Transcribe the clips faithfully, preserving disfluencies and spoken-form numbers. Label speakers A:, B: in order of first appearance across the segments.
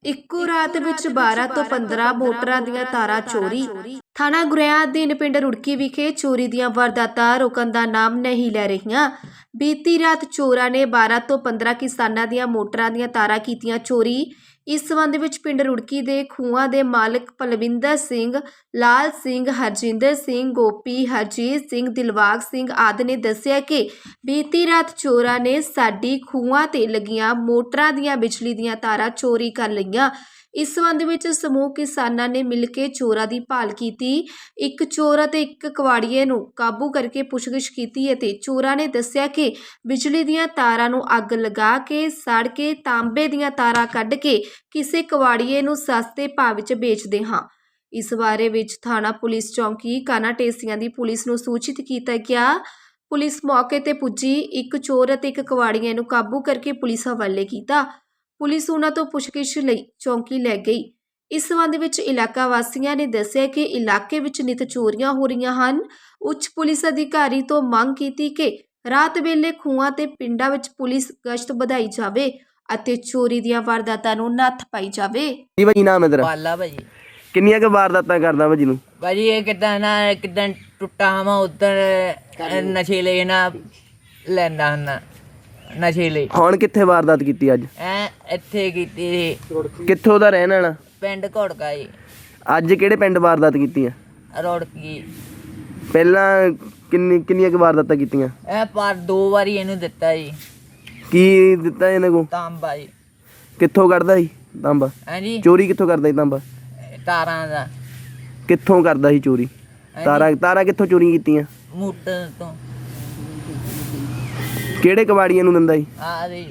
A: ਇੱਕੋ ਰਾਤ ਵਿੱਚ ਬਾਰਾਂ ਤੋਂ ਪੰਦਰਾਂ ਮੋਟਰਾਂ ਦੀਆਂ ਤਾਰਾਂ ਚੋਰੀ। ਥਾਣਾ ਗੁਰੇਆ ਅਧੀਨ ਪਿੰਡ ਰੁੜਕੀ ਵਿਖੇ ਚੋਰੀ ਦੀਆਂ ਵਾਰਦਾਤਾਂ ਰੁਕਣ ਦਾ ਨਾਮ ਨਹੀਂ ਲੈ ਰਹੀਆਂ। ਬੀਤੀ ਰਾਤ ਚੋਰਾਂ ਨੇ ਬਾਰਾਂ ਤੋਂ ਪੰਦਰਾਂ ਕਿਸਾਨਾਂ ਦੀਆਂ ਮੋਟਰਾਂ ਦੀਆਂ ਤਾਰਾਂ ਕੀਤੀਆਂ ਚੋਰੀ। ਇਸ ਸੰਬੰਧ ਵਿੱਚ ਪਿੰਡ ਰੁੜਕੀ ਦੇ ਖੂਹਾਂ ਦੇ ਮਾਲਕ ਪਲਵਿੰਦਰ ਸਿੰਘ, ਲਾਲ ਸਿੰਘ, ਹਰਜਿੰਦਰ ਸਿੰਘ, ਗੋਪੀ, ਹਰਜੀਤ ਸਿੰਘ, ਦਿਲਬਾਗ ਸਿੰਘ ਆਦਿ ਨੇ ਦੱਸਿਆ ਕਿ ਬੀਤੀ ਰਾਤ ਚੋਰਾਂ ਨੇ ਸਾਡੀ ਖੂਹਾਂ ਤੇ ਲੱਗੀਆਂ ਮੋਟਰਾਂ ਦੀਆਂ ਬਿਜਲੀ ਦੀਆਂ ਤਾਰਾਂ ਚੋਰੀ ਕਰ ਲਈਆਂ। ਇਸ ਸੰਬੰਧ ਵਿੱਚ ਸਮੂਹ ਕਿਸਾਨਾਂ ਨੇ ਮਿਲ ਕੇ ਚੋਰਾਂ ਦੀ ਭਾਲ ਕੀਤੀ। ਇੱਕ ਚੋਰ ਅਤੇ ਇੱਕ ਕਵਾੜੀਏ ਨੂੰ ਕਾਬੂ ਕਰਕੇ ਪੁੱਛਗਿੱਛ ਕੀਤੀ ਅਤੇ ਚੋਰਾਂ ਨੇ ਦੱਸਿਆ ਕਿ ਬਿਜਲੀ ਦੀਆਂ ਤਾਰਾਂ ਨੂੰ ਅੱਗ ਲਗਾ ਕੇ ਸੜ ਕੇ ਤਾਂਬੇ ਦੀਆਂ ਤਾਰਾਂ ਕੱਢ ਕੇ ਕਿਸੇ ਕਵਾੜੀਏ ਨੂੰ ਸਸਤੇ ਭਾਅ ਵਿੱਚ ਵੇਚਦੇ ਹਾਂ। ਇਸ ਬਾਰੇ ਵਿੱਚ ਥਾਣਾ ਪੁਲਿਸ ਚੌਂਕੀ ਕਾਨਾ ਢੇਸੀਆਂ ਦੀ ਪੁਲਿਸ ਨੂੰ ਸੂਚਿਤ ਕੀਤਾ ਗਿਆ। ਪੁਲਿਸ ਮੌਕੇ ਤੇ ਪੁੱਜੀ, ਇੱਕ ਚੋਰ ਅਤੇ ਇੱਕ ਕਵਾੜੀਏ ਨੂੰ ਕਾਬੂ ਕਰਕੇ ਪੁਲਿਸ ਹਵਾਲੇ ਕੀਤਾ। ਪੁਲਿਸ ਉਹਨਾਂ ਤੋਂ ਪੁੱਛਗਿੱਛ ਲਈ ਚੌਂਕੀ ਲੈ ਗਈ। ਇਸ ਸੰਬੰਧ ਵਿੱਚ ਇਲਾਕਾ ਵਾਸੀਆਂ ਨੇ ਦੱਸਿਆ ਕਿ ਇਲਾਕੇ ਵਿੱਚ ਨਿਤ ਚੋਰੀਆਂ ਹੋ ਰਹੀਆਂ ਹਨ। ਉੱਚ ਪੁਲਿਸ ਅਧਿਕਾਰੀ ਤੋਂ ਮੰਗ ਕੀਤੀ ਕਿ ਰਾਤ ਵੇਲੇ ਖੂਹਾਂ ਤੇ ਪਿੰਡਾਂ ਵਿੱਚ ਪੁਲਿਸ ਗਸ਼ਤ ਵਧਾਈ ਜਾਵੇ ਅਤੇ ਚੋਰੀ ਦੀਆਂ ਵਾਰਦਾਤਾਂ ਨੂੰ ਨੱਥ ਪਾਈ ਜਾਵੇ।
B: ਜੀ ਭਾਜੀ, ਨਾਮ ਹੈ ਤੇਰਾ?
C: ਪਾਲਾ ਭਾਜੀ।
B: ਕਿੰਨੀਆਂ ਕੁ ਵਾਰਦਾਤਾਂ ਕਰਦਾ ਭਾਜੀ ਨੂੰ?
C: ਭਾਜੀ ਇਹ ਕਿੱਦਾਂ ਨਾ ਕਿੱਦਾਂ ਟੁੱਟਾ ਹਾਂ ਉਧਰ ਨਸ਼ੀਲੇ ਨਾ ਲੈਂਦਾ ਹੁੰਦਾ ਨਸ਼ੀਲੇ।
B: ਹੁਣ ਕਿੱਥੇ ਵਾਰਦਾਤ ਕੀਤੀ ਅੱਜ?
C: ਐ ਇੱਥੇ ਕੀਤੀ ਸੀ
B: ਕਿੱਥੋਂ ਦਾ ਰਹਿਣ ਵਾਲਾ?
C: ਪਿੰਡ ਘੋੜਕਾ ਜੀ।
B: ਅੱਜ ਕਿਹੜੇ ਪਿੰਡ ਵਾਰਦਾਤ ਕੀਤੀ ਆ?
C: ਰੋੜਕੀ।
B: ਪਹਿਲਾਂ ਕਿੰਨੀ ਕਿੰਨੀਆਂ ਕੁ ਵਾਰਦਾਤਾਂ ਕੀਤੀਆਂ?
C: ਇਹ ਪਰ ਦੋ ਵਾਰੀ ਇਹਨੂੰ ਦਿੱਤਾ ਜੀ।
B: ਕੀ ਦਿੱਤਾ ਇਹਨਾਂ ਕੋ?
C: ਤਾਂਬਾ ਜੀ।
B: ਕਿੱਥੋਂ ਕੱਢਦਾ ਸੀ ਤਾਂਬਾ?
C: ਹਾਂਜੀ,
B: ਚੋਰੀ ਕਿੱਥੋਂ ਕਰਦਾ ਸੀ ਤਾਂਬਾ?
C: ਤਾਰਾਂ ਦਾ।
B: ਕਿੱਥੋਂ ਕਰਦਾ ਸੀ ਚੋਰੀ? ਤਾਰਾਂ ਤਾਰਾਂ ਕਿੱਥੋਂ ਚੋਰੀ ਕੀਤੀਆਂ?
C: ਮੋਟਰ ਤੋਂ।
B: ਕਿਹੜੇ ਕਬਾੜੀਆਂ ਨੂੰ ਦਿੰਦਾ ਸੀ?
C: ਆ ਜੀ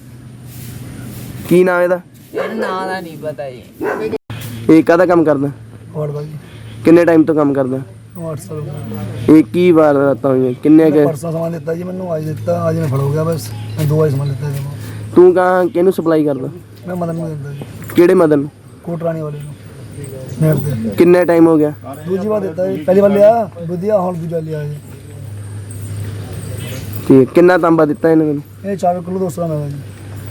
B: ਕੀ ਨਾਮ ਇਹਦਾ?
C: ਇਹਨੂੰ ਨਾਂ ਦਾ ਨਹੀਂ ਪਤਾ ਜੀ।
B: ਇਹ ਕਾਹਦਾ ਕੰਮ ਕਰਦਾ?
D: ਹੋਰ ਭਾਜੀ
B: ਕਿੰਨੇ ਟਾਈਮ ਤੋਂ ਕੰਮ ਕਰਦਾ?
D: ਅੱਠ ਸਾਲ
B: ਇਹ ਕੀ ਵਾਰਦਾਤਾਂ ਹੋਈਆਂ? ਕਿੰਨੇ ਕੁ?
D: ਪਰਸੋਂ ਸਮਾਨ ਦਿੱਤਾ ਜੀ ਮੈਨੂੰ, ਅੱਜ ਦਿੱਤਾ, ਅੱਜ ਮੈਂ ਫੜ ਹੋ ਗਿਆ। ਬਸ ਮੈਂ ਦੋ ਵਾਰੀ ਸਮਾਨ ਦਿੱਤਾ ਜੀ।
B: ਤੂੰ ਕਹਾਂ ਕਿਹਨੂੰ ਸਪਲਾਈ ਕਰਦਾ?
D: ਮੈਂ ਮਦਨ ਨੂੰ ਦਿੰਦਾ ਜੀ,
B: ਕਿਹੜੇ ਮਦਨ ਨੂੰ?
D: ਕੋਟਰਾਣੀ ਵਾਲੇ ਨੂੰ। ਨੇੜ ਤੇ
B: ਕਿੰਨੇ ਟਾਈਮ ਹੋ ਗਿਆ?
D: ਦੂਜੀ ਵਾਰ ਦਿੱਤਾ ਜੀ, ਪਹਿਲੀ ਵਾਰ ਲਿਆ ਵਧੀਆ, ਹੁਣ ਦੂਜਾ ਲਿਆ ਜੀ।
B: ਠੀਕ, ਕਿੰਨਾ ਤਾਂਬਾ ਦਿੱਤਾ ਇਹਨੇ ਮੈਨੂੰ?
D: ਇਹ ਚਾਰ ਕਿਲੋ ਦੋ ਸੌ ਦਾ ਜੀ।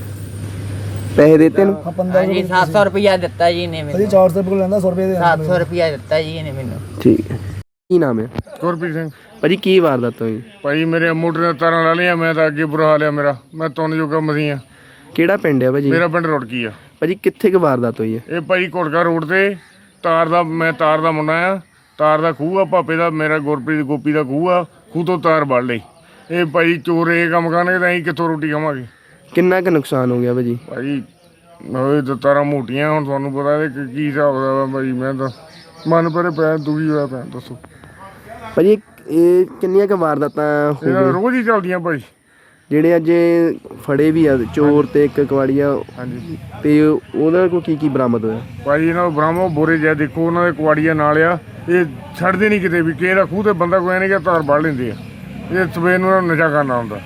B: ਪੈਸੇ ਦਿੱਤੇ ਨੂੰ?
D: ਹਾਂ ਪੰਦਰਾਂ
C: ਹਾਂਜੀ, ਸੱਤ ਸੌ ਰੁਪਇਆ ਦਿੱਤਾ ਜੀ ਇਹਨੇ
D: ਭਾਜੀ।
C: ਮੈਨੂੰ।
D: ਚਾਰ ਸੌ ਰੁਪਏ ਲੈਂਦਾ, ਸੌ ਰੁਪਏ ਦੇ
C: ਸੱਤ ਸੌ ਰੁਪਇਆ ਦਿੱਤਾ ਜੀ ਇਹਨੇ ਮੈਨੂੰ।
B: ਠੀਕ ਹੈ। ਕੀ ਨਾਮ ਹੈ?
E: ਗੁਰਪ੍ਰੀਤ ਸਿੰਘ।
B: ਭਾਜੀ ਕੀ ਵਾਰਦਾਤ ਹੋਈ?
E: ਭਾਈ ਮੇਰੇ ਮੋਟਰ ਦੀਆਂ ਤਾਰਾਂ ਲਾ ਲਈਆਂ, ਮੈਂ ਤਾਂ ਅੱਗੇ ਬੁਰਾ ਹਾਲ ਆ ਮੇਰਾ। ਮੈਂ ਤੁੰਨ ਜੋਗਾ ਮਸੀਂ ਆ।
B: ਕਿਹੜਾ ਪਿੰਡ ਹੈ ਭਾਜੀ?
E: ਮੇਰਾ ਪਿੰਡ ਰੁੜਕੀ ਆ
B: ਭਾਜੀ। ਕਿੱਥੇ ਕੁ ਵਾਰਦਾਤ ਹੋਈ ਹੈ?
E: ਇਹ ਭਾਈ ਘੋੜਕਾ ਰੋਡ ਤੇ ਤਾਰ ਦਾ, ਮੈਂ ਤਾਰ ਦਾ ਮੁੰਡਾ ਆ। ਤਾਰ ਦਾ ਖੂਹ ਆ ਭਾਪੇ ਦਾ, ਮੇਰਾ ਗੁਰਪ੍ਰੀਤ ਗੋਪੀ ਦਾ ਖੂਹ ਆ। ਖੂਹ ਤੋਂ ਤਾਰ ਵੱਢ ਲਈ। ਇਹ ਭਾਈ ਚੋਰ ਇਹ ਕੰਮ ਕਰਨਗੇ ਤਾਂ ਅਸੀਂ ਕਿੱਥੋਂ ਰੋਟੀ ਖਾਵਾਂਗੇ?
B: ਕਿੰਨਾ ਕੁ ਨੁਕਸਾਨ ਹੋ ਗਿਆ ਭਾਜੀ?
E: ਭਾਈ ਉਹ ਤਾਂ ਤਾਰਾਂ ਮੋਟੀਆਂ, ਹੁਣ ਤੁਹਾਨੂੰ ਪਤਾ ਇਹ ਕੀ ਹਿਸਾਬ ਦਾ ਭਾਈ। ਮੈਂ ਤਾਂ ਮਨ ਪਰੇ ਪਿਆ, ਦੁਖੀ ਹੋਇਆ ਪਿਆ। ਦੱਸੋ
B: ਭਾਜੀ ਇਹ ਕਿੰਨੀਆਂ ਕੁ ਵਾਰਦਾਤਾਂ ਹੋ
E: ਇਹਨਾਂ
B: ਗਈਆਂ
E: ਰੋਜ਼ ਹੀ ਚੱਲਦੀਆਂ ਭਾਈ।
B: ਜਿਹੜੇ ਅੱਜ ਫੜੇ ਵੀ ਆ ਚੋਰ ਤੇ ਇੱਕ ਕਵਾੜੀਆ?
E: ਹਾਂਜੀ।
B: ਤੇ ਉਹਦਾ ਕੋਲ ਕੀ ਕੀ ਬਰਾਮਦ ਹੋਇਆ?
E: ਭਾਈ ਇਹਨਾਂ ਨੂੰ ਬ੍ਰਾਹਮੋ ਬੋਰੇ ਜਿਹਾ ਦੇਖੋ, ਉਹਨਾਂ ਦੇ ਕੁਆੜੀਆਂ ਨਾਲ ਆ। ਇਹ ਛੱਡਦੇ ਨਹੀਂ ਕਿਤੇ ਵੀ। ਕਿਸੇ ਦਾ ਖੂਹ ਤੇ ਬੰਦਾ ਕੋਈ ਨਹੀਂ ਕਿ ਤਾਰ ਵੱਢ ਲੈਂਦੇ ਆ। ਇਹ ਸਵੇਰ ਨੂੰ ਇਹਨਾਂ ਨੂੰ ਨਸ਼ਾ ਕਰਨਾ ਹੁੰਦਾ।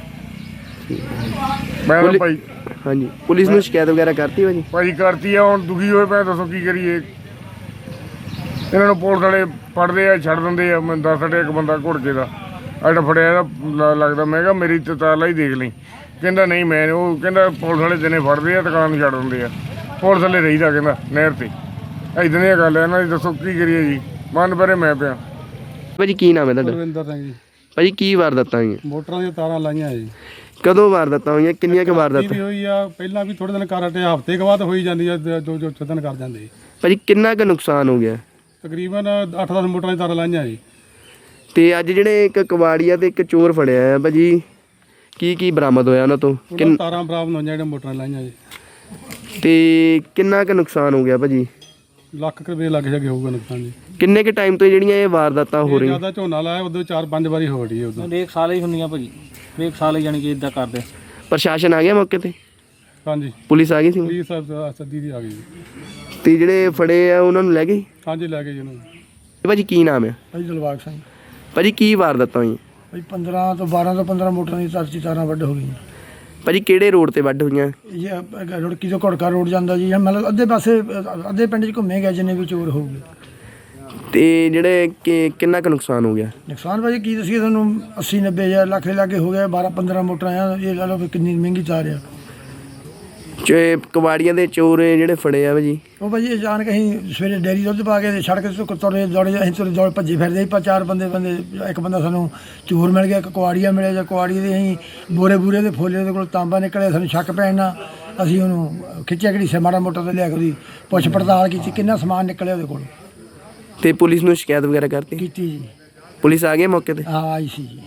E: ਮੈਂ ਤਾਂ ਭਾਈ
B: ਹਾਂਜੀ, ਪੁਲਿਸ ਨੂੰ ਸ਼ਿਕਾਇਤ ਵਗੈਰਾ ਕਰਤੀ ਭਾਜੀ?
E: ਭਾਈ ਕਰਤੀ ਆ। ਹੁਣ ਦੁਖੀ ਹੋਏ ਪਏ, ਦੱਸੋ ਕੀ ਕਰੀਏ? ਇਹਨਾਂ ਨੂੰ ਪੁਲਿਸ ਵਾਲੇ ਫੜਦੇ ਆ, ਛੱਡ ਦਿੰਦੇ ਆ। ਮੈਂ ਦੱਸ ਸਾਡੇ ਇੱਕ ਬੰਦਾ ਘੁੜਕੇ ਦਾ ਅੱਜ ਫੜਿਆ, ਇਹਦਾ ਲੱਗਦਾ। ਮੈਂ ਕਿਹਾ ਮੇਰੀ ਤੇ ਤਾਲਾ ਹੀ ਦੇਖ ਲਈ। ਕਹਿੰਦਾ ਨਹੀਂ ਮੈਂ, ਉਹ ਕਹਿੰਦਾ ਪੁਲਿਸ ਵਾਲੇ ਦਿਨੇ ਫੜਦੇ ਆ, ਦੁਕਾਨ ਨੂੰ ਛੱਡ ਦਿੰਦੇ ਆ। ਪੁਲਿਸ ਵਾਲੇ ਰਹੀਦਾ ਕਹਿੰਦਾ ਨਹਿਰ ਤੇ। ਇੱਦਾਂ ਦੀਆਂ ਗੱਲ ਆ ਇਹਨਾਂ ਦੀ। ਦੱਸੋ ਕੀ ਕਰੀਏ ਜੀ? ਮਨ ਪਰੇ ਮੈਂ ਪਿਆ।
B: ਭਾਜੀ ਕੀ ਨਾਮ ਹੈ ਤੁਹਾਡਾ?
D: ਰਵਿੰਦਰ ਸਿੰਘ ਜੀ।
B: ਭਾਜੀ ਕੀ ਵਾਰਦਾਤਾਂ ਹੋਈਆਂ?
D: ਮੋਟਰਾਂ ਦੀਆਂ ਤਾਰਾਂ ਲਾਈਆਂ ਜੀ।
B: ਕਦੋਂ ਵਾਰਦਾਤਾਂ ਹੋਈਆਂ? ਕਿੰਨੀਆਂ ਕੁ ਵਾਰਦਾਤਾਂ
D: ਹੋਈ ਆ? ਪਹਿਲਾਂ ਵੀ ਥੋੜੇ ਦਿਨ ਕਰ ਹਟੇ, ਹਫ਼ਤੇ ਕੁ ਬਾਅਦ ਹੋਈ ਜਾਂਦੀ ਆ, ਜੋ ਜੋ ਦਿਨ ਕਰ ਜਾਂਦੇ।
B: ਭਾਜੀ ਕਿੰਨਾ ਕੁ ਨੁਕਸਾਨ ਹੋ ਗਿਆ?
D: ਤਕਰੀਬਨ ਅੱਠ ਦਸ ਮੋਟਰਾਂ ਦੀਆਂ ਤਾਰਾਂ ਲਾਈਆਂ ਜੀ।
B: ਤੇ ਅੱਜ ਜਿਹੜੇ ਇੱਕ ਕਵਾੜੀਆ ਤੇ ਇੱਕ ਚੋਰ ਫੜਿਆ ਆ ਭਾਜੀ, ਕੀ ਕੀ ਬਰਾਮਦ ਹੋਇਆ ਉਹਨਾਂ ਤੋਂ?
D: ਕਿੰਨ ਤਾਰਾਂ ਬਰਾਮਦ ਹੋਈਆਂ ਜਿਹੜੀਆਂ ਮੋਟਰਾਂ ਲਾਈਆਂ ਜੀ।
B: ਤੇ ਕਿੰਨਾ ਕੁ ਨੁਕਸਾਨ ਹੋ ਗਿਆ ਭਾਜੀ?
D: ਲੱਖ ਕੁ ਰੁਪਏ ਲੱਗ ਜਾਗੇ ਹੋਊਗਾ ਨੁਕਸਾਨ ਜੀ।
B: ਕਿੰਨੇ ਕੁ ਟਾਈਮ ਤੋਂ ਜਿਹੜੀਆਂ ਇਹ ਵਾਰਦਾਤਾਂ ਹੋ ਰਹੀਆਂ?
D: ਜਿਆਦਾ ਝੋਨਾ ਲਾਇਆ ਉਦੋਂ ਚਾਰ ਪੰਜ ਵਾਰੀ ਹੋ ਰਹੀ ਹੈ। ਉਦੋਂ
F: ਹਰੇਕ ਸਾਲ ਹੀ ਹੁੰਦੀਆਂ ਭਾਜੀ, ਹਰੇਕ ਸਾਲ ਹੀ ਜਾਣੀ ਕਿ ਇਦਾਂ ਕਰਦੇ।
B: ਪ੍ਰਸ਼ਾਸਨ ਆ ਗਿਆ ਮੌਕੇ ਤੇ?
D: ਹਾਂਜੀ,
B: ਪੁਲਿਸ ਆ ਗਈ ਸੀ?
D: ਪੁਲਿਸ ਸੱਦੀ ਦੀ ਆ ਗਈ ਜੀ।
B: ਤੇ ਜਿਹੜੇ ਫੜੇ ਆ ਉਹਨਾਂ ਨੂੰ ਲੈ ਗਏ?
D: ਹਾਂਜੀ, ਲੈ ਗਏ ਜੀ ਉਹਨੂੰ।
B: ਭਾਜੀ ਕੀ ਨਾਮ ਹੈ?
D: ਭਾਈ ਦਿਲਬਾਗ ਸਿੰਘ।
B: ਭਾਜੀ ਕੀ ਵਾਰਦਾਤਾਂ ਹੋਈਆਂ?
D: ਭਾਈ ਪੰਦਰਾਂ ਤੋਂ ਬਾਰਾਂ ਤੋਂ ਪੰਦਰਾਂ ਮੋਟਰਾਂ ਦੀ ਤਾਰ ਤਾਰਾਂ ਵੱਢ ਹੋ ਗਈਆਂ।
B: ਭਾਜੀ ਕਿਹੜੇ ਰੋਡ ਤੇ ਵੱਢ ਹੋਈਆਂ?
D: ਇਹ ਰੁੜਕੀ ਤੋਂ ਘੋੜਕਾ ਰੋਡ ਜਾਂਦਾ ਜੀ। ਮਤਲਬ ਅੱਧੇ ਪਾਸੇ ਅੱਧੇ ਪਿੰਡ 'ਚ ਘੁੰਮੇ ਗਏ ਜਿੰਨੇ ਵੀ ਚੋਰ ਹੋਊਗੇ।
B: ਤੇ ਜਿਹੜੇ ਕਿ ਕਿੰਨਾ ਕੁ ਨੁਕਸਾਨ ਹੋ ਗਿਆ?
D: ਨੁਕਸਾਨ ਭਾਜੀ ਕੀ ਦੱਸੀਏ ਤੁਹਾਨੂੰ, ਅੱਸੀ ਨੱਬੇ ਹਜ਼ਾਰ ਲੱਖ ਦੇ ਲਾਗੇ ਹੋ ਗਿਆ। ਬਾਰਾਂ ਪੰਦਰਾਂ ਮੋਟਰਾਂ ਆ। ਇਹ ਲਾ ਲਓ ਵੀ ਕਿੰਨੀ ਮਹਿੰਗੀ ਤਾਰ ਆ।
B: ਚ ਕਬਾੜੀਆਂ ਦੇ ਚੋਰ ਜਿਹੜੇ ਫੜੇ ਆ ਭਾਜੀ
D: ਉਹ ਭਾਜੀ ਅਚਾਨਕ ਅਸੀਂ ਸਵੇਰੇ ਡੇਅਰੀ ਦੁੱਧ ਪਾ ਕੇ ਤੇ ਸੜਕ ਤੋਂ ਤੁਰੇ ਦੌੜੇ ਅਸੀਂ ਤੁਰੇ ਦੌੜ ਭੱਜੇ ਫਿਰਦੇ ਸੀ। ਪਰ ਚਾਰ ਬੰਦੇ ਬੰਦੇ ਇੱਕ ਬੰਦਾ ਸਾਨੂੰ ਚੋਰ ਮਿਲ ਗਿਆ, ਇੱਕ ਕੁਆੜੀਆ ਮਿਲਿਆ ਜਾਂ ਕੁਆੜੀ ਦੇ ਅਸੀਂ ਬੋਰੇ ਬੂਰੇ ਦੇ ਫੋਲੇ ਉਹਦੇ ਕੋਲ ਤਾਂਬਾ ਨਿਕਲਿਆ। ਸਾਨੂੰ ਸ਼ੱਕ ਪੈਣ ਨਾਲ ਅਸੀਂ ਉਹਨੂੰ ਖਿੱਚਿਆ ਘੜੀਸਿਆ ਮਾੜਾ ਮੋਟਾ ਤੇ ਲਿਆ ਕੇ ਉਹਦੀ ਪੁੱਛ ਪੜਤਾਲ ਕੀਤੀ, ਕਿੰਨਾ ਸਮਾਨ ਨਿਕਲਿਆ ਉਹਦੇ ਕੋਲ
B: ਤੇ ਪੁਲਿਸ ਨੂੰ ਸ਼ਿਕਾਇਤ ਵਗੈਰਾ ਕਰਤੀ?
D: ਕੀਤੀ ਜੀ।
B: ਪੁਲਿਸ ਆ ਗਈ ਮੌਕੇ ਤੇ?
D: ਹਾਂ ਆਈ ਸੀ ਜੀ।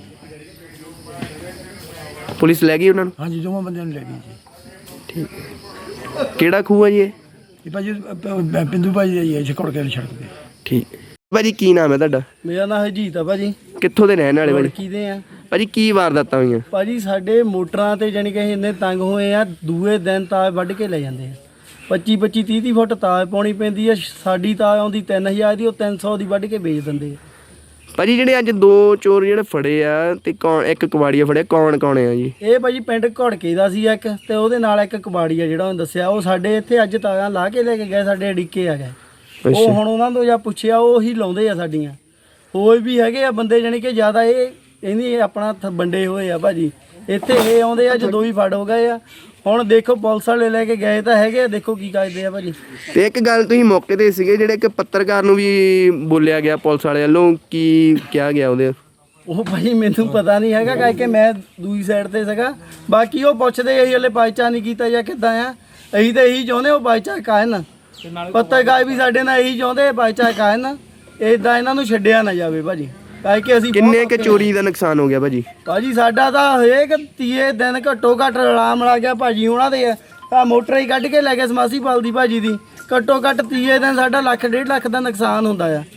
B: ਪੁਲਿਸ ਲੈ ਗਈ ਉਹਨਾਂ ਨੂੰ?
D: ਹਾਂਜੀ ਦੋਵਾਂ ਬੰਦਿਆਂ ਨੂੰ ਲੈ ਗਈ ਜੀ।
B: ਠੀਕ। ਕਿਹੜਾ ਖੂਹ ਆ ਜੀ ਇਹ?
D: ਇਹ ਭਾਜੀ ਅਹ, ਪਿੰਦੂ ਭਾਜੀ ਦਾ ਹੀ ਹੈ ਛਕੜ ਕੇ ਸੜਕ ਤੇ।
B: ਠੀਕ। ਭਾਜੀ ਕੀ ਨਾਮ ਹੈ ਤੁਹਾਡਾ?
G: ਮੇਰਾ ਨਾਮ ਹਰਜੀਤ ਆ ਭਾਜੀ।
B: ਕਿੱਥੋਂ ਦੇ ਰਹਿਣ ਵਾਲੇ ਭਾਜੀ?
G: ਕੀ ਦੇ ਆ
B: ਭਾਜੀ ਕੀ ਵਾਰਦਾਤਾਂ ਹੋਈਆਂ?
G: ਭਾਜੀ ਸਾਡੇ ਮੋਟਰਾਂ ਤੇ ਜਾਣੀ ਕਿ ਅਸੀਂ ਇੰਨੇ ਤੰਗ ਹੋਏ ਆ, ਦੂਏ ਦਿਨ ਤਾਰ ਵੱਢ ਕੇ ਲੈ ਜਾਂਦੇ ਆ। ਪੱਚੀ ਪੱਚੀ ਤੀਹ ਤੀਹ ਫੁੱਟ ਤਾਰ ਪਾਉਣੀ ਪੈਂਦੀ ਆ। ਸਾਡੀ ਤਾਰ ਆਉਂਦੀ ਤਿੰਨ ਹਜ਼ਾਰ ਦੀ, ਉਹ ਤਿੰਨ ਸੌ ਦੀ ਵੱਢ ਕੇ ਵੇਚ ਦਿੰਦੇ ਆ।
B: ਭਾਜੀ ਜਿਹੜੇ ਅੱਜ ਦੋ ਚੋਰ ਜਿਹੜੇ ਫੜੇ ਆ ਤੇ ਕੌਣ, ਇੱਕ ਕਬਾੜੀਆ ਫੜਿਆ, ਕੌਣ ਕੌਣ ਆ ਜੀ?
G: ਇਹ ਭਾਜੀ ਪਿੰਡ ਘੜਕੇ ਦਾ ਸੀ ਇੱਕ, ਤੇ ਉਹਦੇ ਨਾਲ ਇੱਕ ਕਬਾੜੀ ਆ ਜਿਹੜਾ ਉਹਨੇ ਦੱਸਿਆ। ਉਹ ਸਾਡੇ ਇੱਥੇ ਅੱਜ ਤਾਰਾਂ ਲਾ ਕੇ ਲੈ ਕੇ ਗਏ, ਸਾਡੇ ਅੜਿੱਕੇ ਆ ਗਏ। ਉਹ ਹੁਣ ਉਹਨਾਂ ਤੋਂ ਜਾਂ ਪੁੱਛਿਆ, ਉਹ ਹੀ ਲਾਉਂਦੇ ਆ ਸਾਡੀਆਂ। ਹੋਰ ਵੀ ਹੈਗੇ ਆ ਬੰਦੇ ਜਾਣੀ ਕਿ ਜ਼ਿਆਦਾ ਇਹ ਇਹਨੀ ਆਪਣਾ ਹੱਥ ਵੰਡੇ ਹੋਏ ਆ ਭਾਜੀ। ਇੱਥੇ ਇਹ ਆਉਂਦੇ ਆ, ਜਦੋਂ ਹੀ ਫੜ ਹੋ ਗਏ ਆ। ਹੁਣ ਦੇਖੋ ਪੁਲਿਸ ਵਾਲੇ ਲੈ ਕੇ ਗਏ ਤਾਂ ਹੈਗੇ ਆ, ਦੇਖੋ ਕੀ ਕਰਦੇ ਆ ਭਾਜੀ।
B: ਤੇ ਇੱਕ ਗੱਲ ਤੁਸੀਂ ਮੌਕੇ ਤੇ ਸੀਗੇ, ਜਿਹੜੇ ਇੱਕ ਪੱਤਰਕਾਰ ਨੂੰ ਵੀ ਬੋਲਿਆ ਗਿਆ ਪੁਲਿਸ ਵਾਲੇ ਵੱਲੋਂ, ਕੀ ਕਿਹਾ ਗਿਆ ਉਹਦੇ?
G: ਉਹ ਭਾਈ ਮੈਨੂੰ ਪਤਾ ਨਹੀਂ ਹੈਗਾ, ਕਰਕੇ ਮੈਂ ਦੂਜੀ ਸਾਈਡ ਤੇ ਸੀਗਾ। ਬਾਕੀ ਉਹ ਪੁੱਛਦੇ ਅਸੀਂ ਹਲੇ ਬਾਈਚਾਰ ਨਹੀਂ ਕੀਤਾ ਜਾਂ ਕਿੱਦਾਂ ਆ। ਅਸੀਂ ਤਾਂ ਇਹੀ ਚਾਹੁੰਦੇ ਉਹ ਬਾਈਚਾਰ ਕਾਇਨ, ਪੱਤਰਕਾਰ ਵੀ ਸਾਡੇ ਨਾਲ ਇਹੀ ਚਾਹੁੰਦੇ ਬਾਈਚਾਰ ਕਾਇਨ, ਇਦਾਂ ਇਹਨਾਂ ਨੂੰ ਛੱਡਿਆ ਨਾ ਜਾਵੇ ਭਾਜੀ। ਕਰਕੇ ਅਸੀਂ
B: ਕਿੰਨੇ ਕੁ ਚੋਰੀ ਦਾ ਨੁਕਸਾਨ ਹੋ ਗਿਆ ਭਾਜੀ?
G: ਭਾਜੀ ਸਾਡਾ ਤਾਂ ਹਰੇਕ ਤੀਏ ਦਿਨ ਘੱਟੋ ਘੱਟ ਰਲਾਮ ਲਾ ਗਿਆ ਭਾਜੀ। ਉਹਨਾਂ ਦੇ ਆ ਮੋਟਰ ਹੀ ਕੱਢ ਕੇ ਲੈ ਗਏ ਸਮਾਸੀ ਪਾਲ ਦੀ ਭਾਜੀ ਦੀ। ਘੱਟੋ ਘੱਟ ਤੀਏ ਦਿਨ ਸਾਡਾ ਲੱਖ ਡੇਢ ਲੱਖ ਦਾ ਨੁਕਸਾਨ ਹੁੰਦਾ ਆ।